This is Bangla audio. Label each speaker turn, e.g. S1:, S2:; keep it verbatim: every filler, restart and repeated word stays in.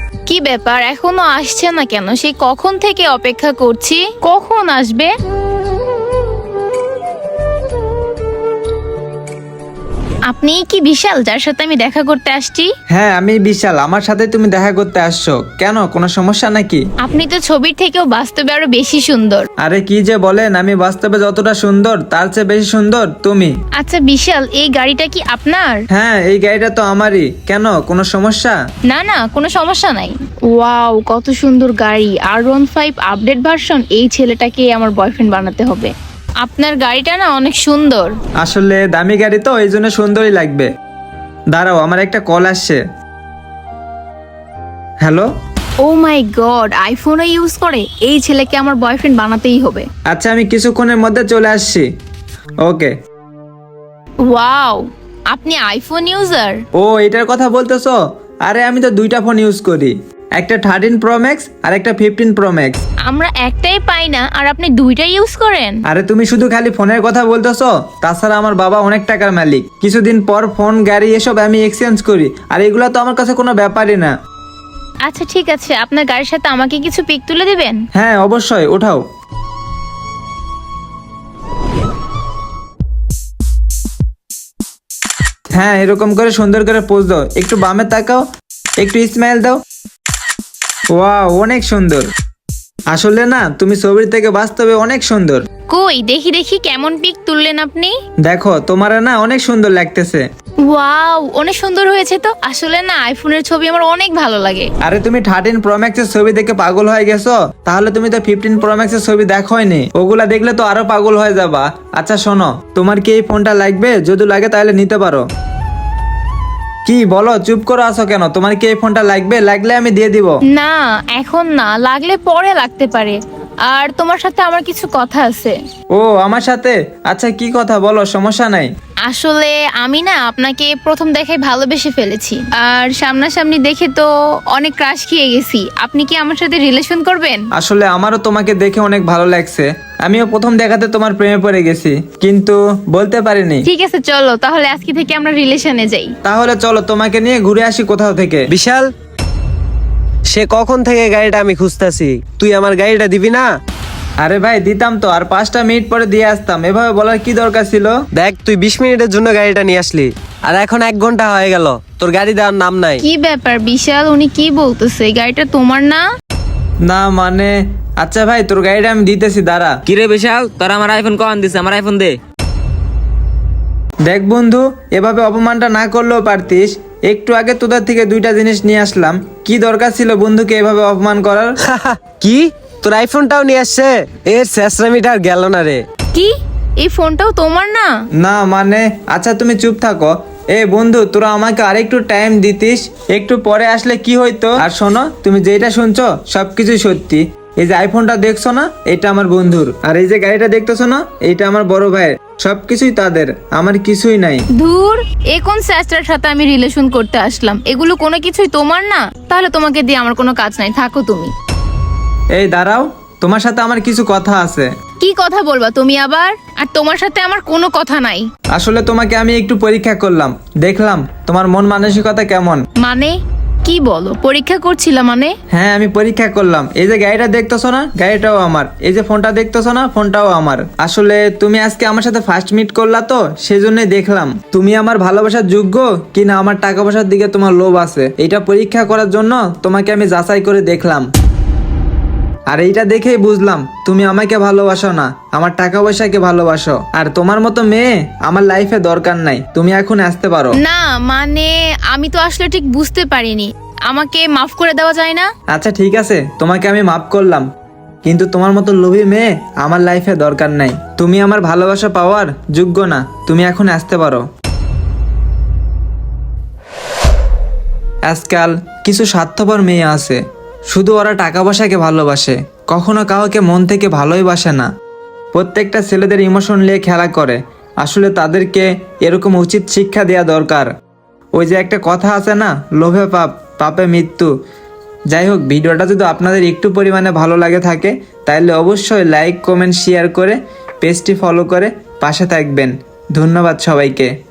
S1: কি ব্যাপার, এখনো আসছে না কেন? সেই কখন থেকে অপেক্ষা করছি, কখন আসবে? আপনি কি বিশাল, যার সাথে আমি দেখা করতে আসছি?
S2: হ্যাঁ আমি বিশাল, আমার সাথে তুমি দেখা করতে আসছো কেন? কোনো সমস্যা নাকি?
S1: আপনি তো ছবির থেকেও বাস্তবে আরো বেশি সুন্দর।
S2: আরে কি যে বলেন, আমি বাস্তবে যতটা সুন্দর তার চেয়ে বেশি সুন্দর তুমি।
S1: আচ্ছা বিশাল, এই গাড়িটা কি আপনার?
S2: হ্যাঁ এই গাড়িটা তো আমারই, কেন কোনো সমস্যা?
S1: না না, কোনো সমস্যা নাই। ওয়াও, কত সুন্দর গাড়ি, আর ওয়ান ফাইভ আপডেট ভার্সন। এই ছেলেটাকে আমার বয়ফ্রেন্ড বানাতে হবে। আপনার গাড়িটা না অনেক সুন্দর।
S2: আসলে দামি গাড়ি তো এই জন্য সুন্দরই লাগবে। দাঁড়াও, আমার একটা কল আসছে। হ্যালো।
S1: ও মাই গড, আইফোনও ইউজ করে? এই ছেলেকে আমার বয়ফ্রেন্ড বানাতেই হবে।
S2: আচ্ছা আমি কিছুক্ষণের মধ্যে চলে আসছি। ওকে।
S1: ওয়াও, আপনি আইফোন ইউজার?
S2: ও এটার কথা বলতেছো? আরে আমি তো দুইটা ফোন ইউজ করি, একটা থার্টিন প্রো ম্যাক্স আর একটা ফিফটিন প্রো ম্যাক্স।
S1: আমরা একটাই পাই না আর আপনি দুইটা ইউজ করেন?
S2: আরে তুমি শুধু খালি ফোনের কথা বলতেছো, তাছাড়া আমার বাবা অনেক টাকার মালিক, কিছুদিন পর ফোন গাড়ি এসব আমি এক্সচেঞ্জ করি, আর এগুলো তো আমার কাছে কোনো ব্যাপারই না।
S1: আচ্ছা ঠিক আছে, আপনার গাড়ির সাথে আমাকে কিছু পিক তুলে দিবেন?
S2: হ্যাঁ অবশ্যই, ওঠাও। হ্যাঁ এরকম করে সুন্দর করে পোজ দাও, একটু বামে তাকাও, একটু স্মাইল দাও। ওয়াও অনেক সুন্দর। আসলে না তুমি ছবির থেকে বাস্তবে অনেক সুন্দর।
S1: কই দেখি দেখি কেমন পিক তুললেন আপনি।
S2: দেখো তোমার না অনেক সুন্দর লাগতেছে।
S1: ওয়াও, অনেক সুন্দর হয়েছে তো। আসলে না আইফোনের ছবি আমার অনেক ভালো লাগে।
S2: আরে তুমি থার্টিন প্রো ম্যাক্স এর ছবি দেখে পাগল হয়ে গেছো, তাহলে তুমি তো ফিফটিন প্রো ম্যাক্স এর ছবি দেখোইনি, ওগুলা দেখলে তো আরো পাগল হয়ে যাবা। আচ্ছা শোনো, তোমার কি এই ফোনটা লাগবে? যদি লাগে তাহলে নিতে পারো। কি বলো, চুপ করে আছো কেন? তোমার কি এই ফোনটা লাগবে? লাগলে আমি দিয়ে দিব।
S1: না এখন না, লাগলে পরে লাগতে পারে। আর তোমার সাথে আমার কিছু কথা আছে।
S2: ও আমার সাথে? আচ্ছা কি কথা বলো, সমস্যা নাই।
S1: আসলে আমি না আপনাকে প্রথম দেখায় ভালোবেসে ফেলেছি, আর সামনাসামনি দেখে তো অনেক ক্রাশ খেয়ে গেছি। আপনি কি আমার সাথে রিলেশন করবেন?
S2: আসলে আমারও তোমাকে দেখে অনেক ভালো লাগছে, আমিও প্রথম দেখাতে তোমার প্রেমে পড়ে গেছি, কিন্তু বলতে পারিনি।
S1: ঠিক আছে চলো তাহলে আজকে থেকে আমরা রিলেশনে যাই।
S2: তাহলে চলো তোমাকে নিয়ে ঘুরে আসি কোথাও থেকে।
S3: বিশাল, সে কখন থেকে গাড়িটা আমি খুঁজতেছি, তুই আমার গাড়িটা দিবি না?
S2: আরে ভাই দিতাম তো, আর পাঁচটা মিনিট পরে দিয়ে আসতাম, এভাবে বলার কি দরকার ছিল?
S3: দেখ তুই বিশ মিনিটের জন্য গাড়িটা নিয়ে আসলি, আর এখন এক ঘন্টা হয়ে গেল তোর গাড়ি দেওয়ার নাম নাই।
S1: কি ব্যাপার বিশাল, উনি কি বলতেছে? গাড়িটা তোমার না?
S2: না মানে, আচ্ছা ভাই তোর গাড়িটা আমি দিতেছি, দাঁড়া।
S4: কিরে বিশাল, তোর আমার আইফোন কখন দিছে? আমার আইফোন দে।
S2: দেখ বন্ধু, এভাবে অপমানটা না করলেও পারতিস। একটু আগে তোদের থেকে দুইটা জিনিস নিয়ে আসলাম, কি দরকার ছিল বন্ধুকে এভাবে অপমান করার?
S3: কি, তোর আইফোনটাও নিয়ে আসছে? এর শেষরামিটা আর গেল না রে।
S1: কি, এই ফোনটাও তোমার না?
S2: না মানে, আচ্ছা তুমি চুপ থাকো। এ বন্ধু, তোরা আমাকে আরেকটু টাইম দিতিস, একটু পরে আসলে কি হইতো। আর শোনো, তুমি যেটা শুনছো সবকিছুই সত্যি। এই যে আইফোনটা দেখছো না, এটা আমার বন্ধুর, আর এই যে গাড়িটা দেখতেছো না, এইটা আমার বড় ভাইয়ের। সবকিছুই তাদের, আমার কিছুই নাই।
S1: ধুর, এ কোন স্যাস্টার সাথে আমি রিলেশন করতে আসলাম? এগুলো কোনো কিছুই তোমার না? তাহলে তোমাকে দিয়ে আমার কোনো কাজ নাই, থাকো তুমি।
S2: এই দাঁড়াও, তোমার সাথে আমার কিছু কথা আছে।
S1: কি কথা বলবা তুমি আবার? আর তোমার সাথে আমার কোনো কথা নাই।
S2: আসলে তোমাকে আমি একটু পরীক্ষা করলাম, দেখলাম তোমার মন মানসিকতা কেমন।
S1: মানে কি বলো, পরীক্ষা করছিলাম মানে?
S2: হ্যাঁ আমি পরীক্ষা করলাম। এই যে গাড়িটা দেখতেছো না, গাড়িটাও আমার। এই যে ফোনটা দেখতেছো না, ফোনটাও আমার। আসলে তুমি আজকে আমার সাথে ফার্স্ট মিট করলা তো, সেজন্যই দেখলাম তুমি আমার ভালোবাসার যোগ্য কিনা, আমার টাকা পয়সার দিকে তোমার লোভ আছে, এটা পরীক্ষা করার জন্য তোমাকে আমি যাচাই করে দেখলাম। আর এইটা দেখেই বুঝলাম তুমি আমাকে ভালোবাসো না, আমার টাকা পয়সাকে ভালোবাসো। আর তোমার মতো মেয়ে আমার লাইফে দরকার নাই, তুমি এখন আসতে পারো।
S1: না মানে আমি তো আসলে ঠিক বুঝতে পারিনি, আমাকে মাফ করে দেওয়া যায় না?
S2: আচ্ছা ঠিক আছে, তোমাকে আমি মাফ করলাম, কিন্তু তোমার মতো লোভী মেয়ে আমার লাইফে দরকার নাই। তুমি আমার ভালোবাসা পাওয়ার যোগ্য না, তুমি এখন আসতে পারো। আজকাল কিছু স্বার্থপর মেয়ে আছে, শুধু ওরা টাকা পয়সাকে ভালোবাসে, কখনো কাউকে মন থেকে ভালোই বাসে না। প্রত্যেকটা ছেলেদের ইমোশন নিয়ে খেলা করে। আসলে তাদেরকে এরকম উচিত শিক্ষা দেওয়া দরকার। ওই যে একটা কথা আছে না, লোভে পাপ, পাপে মৃত্যু। যাই হোক, ভিডিওটা যদি আপনাদের একটু পরিমাণে ভালো লাগে থাকে, তাহলে অবশ্যই লাইক কমেন্ট শেয়ার করে পেজটি ফলো করে পাশে থাকবেন। ধন্যবাদ সবাইকে।